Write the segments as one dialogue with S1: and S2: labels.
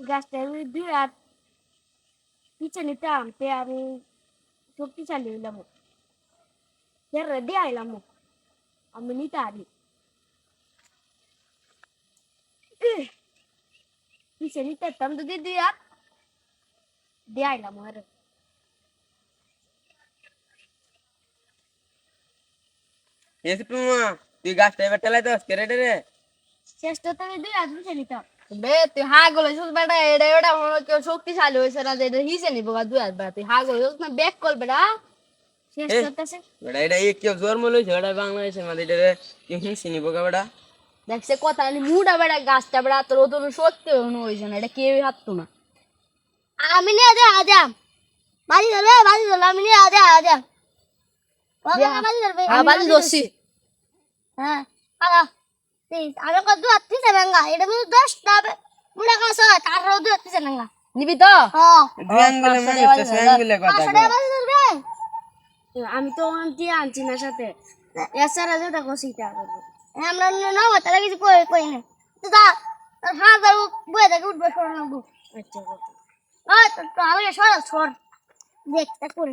S1: গাছটা দুই হাত পিছে নিতাম তে আমি শক্তিশালী হইলাম রেডি আইলাম আমি নিতে আনি পিছে নিতে যদি দুই হাত দিয়ে আইলাম আর
S2: এসে তুই গাছটা এবার টেলাইতে আসকে রেডি রে
S1: চেষ্টা তো দুই হাত পিছে নিতাম
S3: বে তুই হাগল হইছিস বেটা এটা এটা মনে কেউ শক্তিশালী হইছে না যে এটা হিসে নিব গা দুই হাত বেটা তুই হাগল হইছিস না ব্যাক কল বেটা
S1: চেষ্টা করতেছে
S2: বেটা এটা এই কেউ জন্ম লইছে বেটা বাংলাদেশের মধ্যে এটা কেউ হিংসি নিব গা বেটা
S3: দেখছে কথা নি মুডা বেটা গাছটা বেটা তোর তো সত্যি হইছে না এটা কেউই হাঁটতো না
S1: আমি নিয়ে আজ আজাম বাজি ধরবে আমি নিয়ে আজ আজাম বাজি ধরবে
S3: বাজি ধরছি
S1: হ্যাঁ আলা আমি কত দু হাত পিছে নাঙ্গা এটা মনে 10টা মুড়া কাছে তার দু হাত পিছে নাঙ্গা
S3: নিবি তো
S1: হ্যাঁ
S2: দুই আঙ্গুলে মানে তো আঙ্গুলে কথা
S1: বাজি ধরবে আমি তো আনটি আনছি না সাথে এছাড়া যেটা কষিটা করবো আমরা না তারা কিছু কই না তো তা হ্যাঁ যাবো বয়ে থেকে উঠবে সর নাবো আচ্ছা তো আমি সর দেখতে করে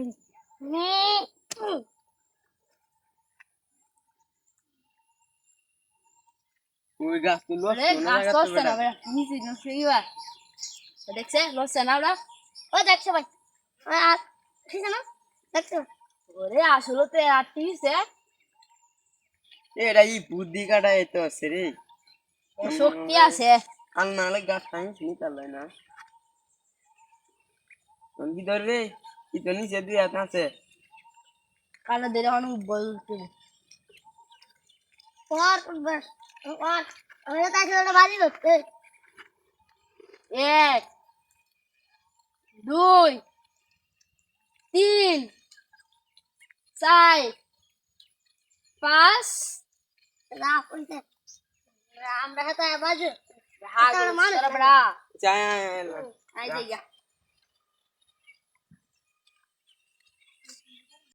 S2: তুই গাছ তুই লস
S3: আরে গাছ লসছে না বেটা নিচে নষ্ট হইবা দেখছে লসছে না ওরা
S1: ও দেখছো ভাই ঠিক আছে না দেখছো
S3: ওরে আসলে তো আটটিছে
S2: এটা এই বুদ্ধি কাটাই তো আছে রে
S3: শক্তি আছে
S2: আর নাহলে গাছ টাইম শুনি তাহলে না কোন কি ধরবে কি তো নিচে দুই হাত আছে
S3: কালো ধরে অনেক বলতে
S1: বস আমি তো তাকে বাজি ধরতে
S3: 1 2 3 4 5
S1: রাম কইতে রাম রাখা বাজু
S3: হাগো বড় বড়
S2: চায়
S3: আই দেয়া